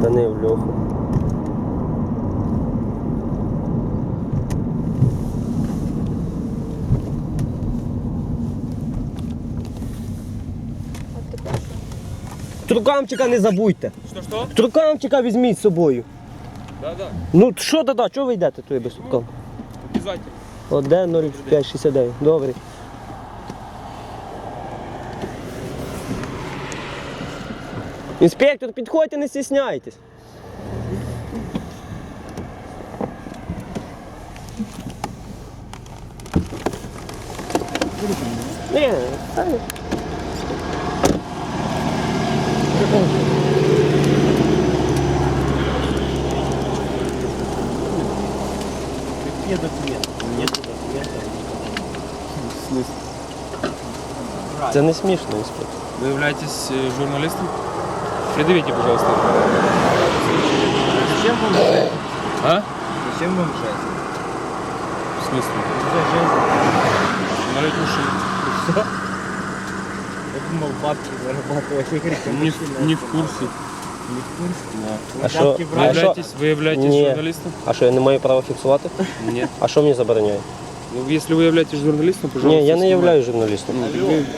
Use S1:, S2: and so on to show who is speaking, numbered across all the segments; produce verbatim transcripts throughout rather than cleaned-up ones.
S1: Спинив Льоху. Трукамчика не забудьте.
S2: Що-що?
S1: Трукамчика візьміть з собою.
S2: Да-да.
S1: Ну що да-да, чого ви йдете туди без трукам?
S2: Обязательно.
S1: один нуль п'ять шістдесят дев'ять. Добре. Інспектор, підходьте, не стісняйтесь. Ні, та ні.
S3: Где документы? Нету документов.
S2: В смысле?
S1: Це не смішно, інспектор.
S2: Вы являетесь э, журналистом? Предъявите, пожалуйста.
S3: Зачем вам жесть?
S2: А?
S3: Зачем вам жесть?
S2: В смысле?
S3: Уже жесть.
S2: Налить уши.
S3: Что? Я думал, бабки зарабатывать.
S2: Не, в- не в курсе.
S3: Не в курсе?
S2: Да.
S1: А що?
S3: Бабки
S2: Вы
S1: А
S3: брать?
S1: що?
S2: являетесь, вы являетесь
S1: Ні.
S2: журналистом?
S1: А що, я не маю права фіксувати?
S2: Нет.
S1: А що мені забороняє?
S2: Ну, если вы являетесь журналистом, пожалуйста,
S1: Ні, я не
S2: снимайте.
S1: являюсь журналістом.
S2: Ну, так вы-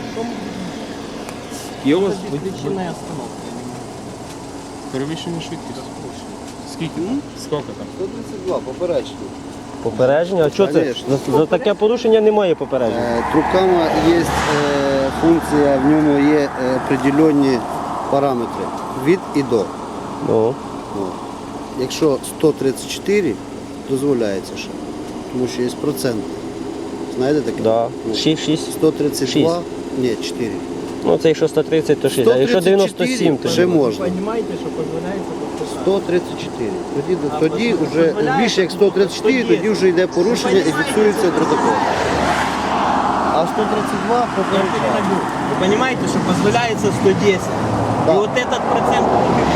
S2: Є у вас
S3: Причинная остановка.
S2: перевищення швидкість? Скільки там? Скільки там?
S4: сто тридцять два, поперечний.
S1: Попередження? А що це?
S4: Конечно.
S1: За, за таке порушення немає попередження.
S4: Е, Трукама є е, функція, в ньому є е, определенні параметри від і до.
S1: Ну,
S4: От. Якщо сто тридцять чотири, дозволяється ще, тому що є процент. Знаєте таке?
S1: да.
S4: Ну,
S1: шість, шість.
S4: сто тридцять два, ні, чотири.
S1: Ну, це якщо сто тридцять, то шість. А якщо дев'яносто сім, то
S4: ще можна.
S3: Понимаете, что позволяется подписать?
S4: сто тридцять чотири. Тоді,
S3: А,
S4: тоді
S3: дозволяє-
S4: вже
S3: дозволяє?
S4: більше як сто тридцять чотири,
S3: Тоді-
S4: тоді вже йде порушення і фіксується протокол. А сто тридцять два
S3: Я
S4: попереджає.
S3: передаю. Вы понимаете, что позволяется сто десять?
S4: Да.
S3: И вот этот процент,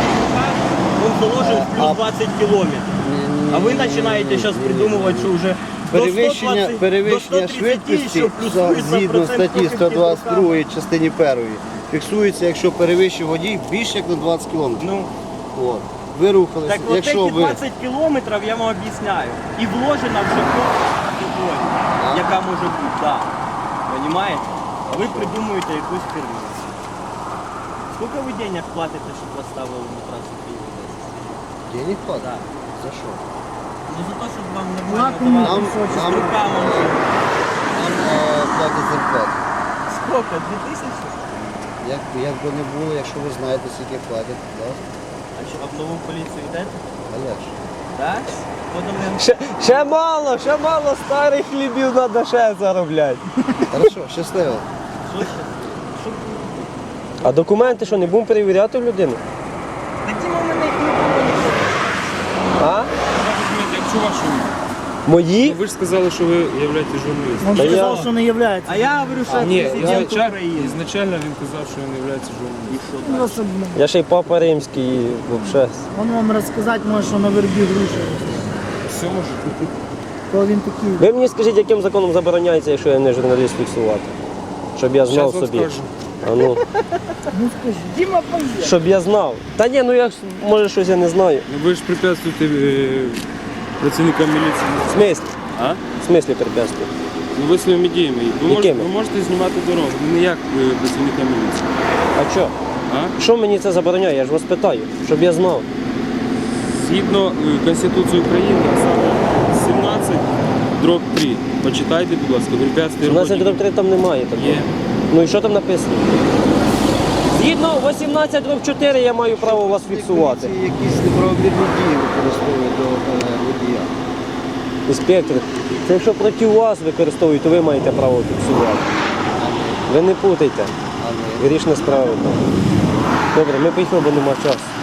S3: он заложен в плюс
S4: А-
S3: двадцать километров. А вы начинаете сейчас придумывать, что уже до
S4: Перевищення,
S3: сто двадцать,
S4: перевищення
S3: до сто тридцать
S4: швидкості
S3: еще плюсуется
S4: згідно
S3: процент
S4: статті
S3: проти
S4: сто двадцять
S3: підрука.
S4: другої частині першої фіксується, якщо перевищив водій більше як на двадцять кілометрів.
S3: Ну,
S4: От. Ви рухалися,
S3: так вот
S4: якщо
S3: эти
S4: ви
S3: двадцать километров я вам объясняю. И вложено вже категорія, яка може бути, да. Понимаете? А ви придумуєте якусь херню. Сколько ви денег платите, щоб вас ставили на трасу Києва десять?
S4: денег платить?
S3: Да.
S4: За що?
S3: Ну за те, щоб вам нормально давати
S4: Нам-
S3: з
S4: нам-
S3: руками вже.
S4: Нам е, платять зарплату.
S3: Сколько? Дві тисячі?
S4: Як, як би не було, якщо ви знаєте, скільки платять, да?
S3: А що, а в нову поліцію йдете?
S4: А як ж?
S3: Так? Потім я...
S1: ще, ще мало, ще мало старих хлібів треба ще заробляти.
S4: Хорошо, щасливо.
S3: Що ще? Що?
S1: А документи що, не будемо перевіряти в людину?
S3: Такі в мене їх не було ніколи.
S1: А?
S2: Якщо вашу...
S1: Мої?
S2: Ну, ви ж сказали, що ви являєтесь журналістом.
S5: Он
S1: Да
S5: сказал,
S1: я-
S5: что не является.
S3: А я говорю, що
S2: Ні,
S3: президент
S2: ізначально,
S3: України.
S2: ізначально він казав, що він не являється журналістом.
S5: Ну, особенно.
S1: Я ще й папа римський, і взагалі.
S5: Он вам рассказать может, что на вербі груші.
S2: Все може бути.
S5: То він такий.
S1: Ви мені скажіть, яким законом забороняється, якщо я не журналіст, фіксувати? Щоб я знав
S2: Зараз вам
S1: собі.
S2: скажу.
S1: А ну,
S5: Ну скажи, Дима, пойдет.
S1: щоб я знав. Та ні, ну я ж, може щось я не знаю.
S2: Ну, ви ж препятствуєте е, працівникам міліції.
S1: В смислі?
S2: А?
S1: В смислі препятствую?
S2: Ну ви своїми діями. Ви можете,
S1: Якими?
S2: ви можете знімати дорогу, не як е, працівника міліції.
S1: А що?
S2: А?
S1: Що мені це забороняє? Я ж вас питаю, щоб я знав.
S2: Згідно е, Конституції України, а саме сімнадцять дроб три. Почитайте, будь ласка, препятствия
S1: сімнадцять
S2: роботі.
S1: дроб три там немає такого.
S2: Є.
S1: Ну і що там написано? Згідно вісімнадцять дроб чотири я маю право вас фіксувати.
S4: Поліції якісь неправомірні дії використовують до е, водія.
S1: Інспектор, це якщо проти вас використовують, то ви маєте право фіксувати. Ви не путайте.
S4: А не
S1: Грішна справа. Добре, ми поїхали, бо нема часу.